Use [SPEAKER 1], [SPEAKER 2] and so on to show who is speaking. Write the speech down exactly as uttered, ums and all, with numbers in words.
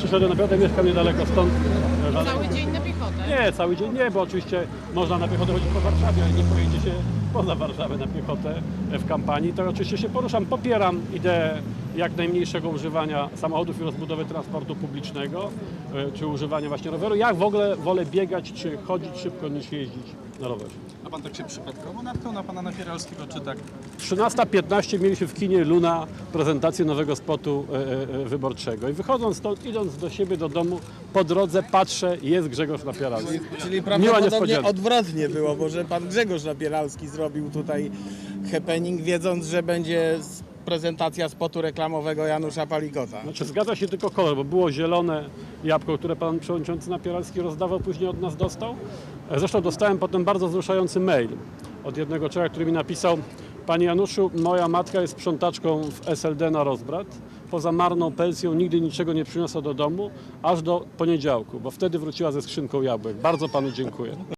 [SPEAKER 1] przyszedłem, naprawdę mieszkam niedaleko stąd.
[SPEAKER 2] Cały dzień na piechotę?
[SPEAKER 1] Nie, cały dzień nie, bo oczywiście można na piechotę chodzić po Warszawie, ale nie pojedzie się poza Warszawę na piechotę w kampanii. To oczywiście się poruszam, popieram ideę jak najmniejszego używania samochodów i rozbudowy transportu publicznego, czy używania właśnie roweru. Ja w ogóle wolę biegać czy chodzić szybko niż jeździć na rowerze.
[SPEAKER 3] A pan tak się przypadkowo natknął na pana Napieralskiego, czy tak?
[SPEAKER 1] trzynasta piętnaście mieliśmy w kinie Luna prezentację nowego spotu e, e, wyborczego i wychodząc stąd, idąc do siebie, do domu, po drodze patrzę, jest Grzegorz Napieralski.
[SPEAKER 4] Czyli
[SPEAKER 1] Miła
[SPEAKER 4] prawdopodobnie
[SPEAKER 1] niespodzianka.
[SPEAKER 4] odwrotnie było, bo że pan Grzegorz Napieralski zrobił tutaj happening, wiedząc, że będzie prezentacja spotu reklamowego Janusza Palikota.
[SPEAKER 1] Znaczy zgadza się tylko kolor, bo było zielone jabłko, które pan przewodniczący Napieralski rozdawał, później od nas dostał. Zresztą dostałem potem bardzo wzruszający mail od jednego człowieka, który mi napisał: Panie Januszu, moja matka jest sprzątaczką w S L D na rozbrat. Poza marną pensją nigdy niczego nie przyniosła do domu, aż do poniedziałku, bo wtedy wróciła ze skrzynką jabłek. Bardzo panu dziękuję.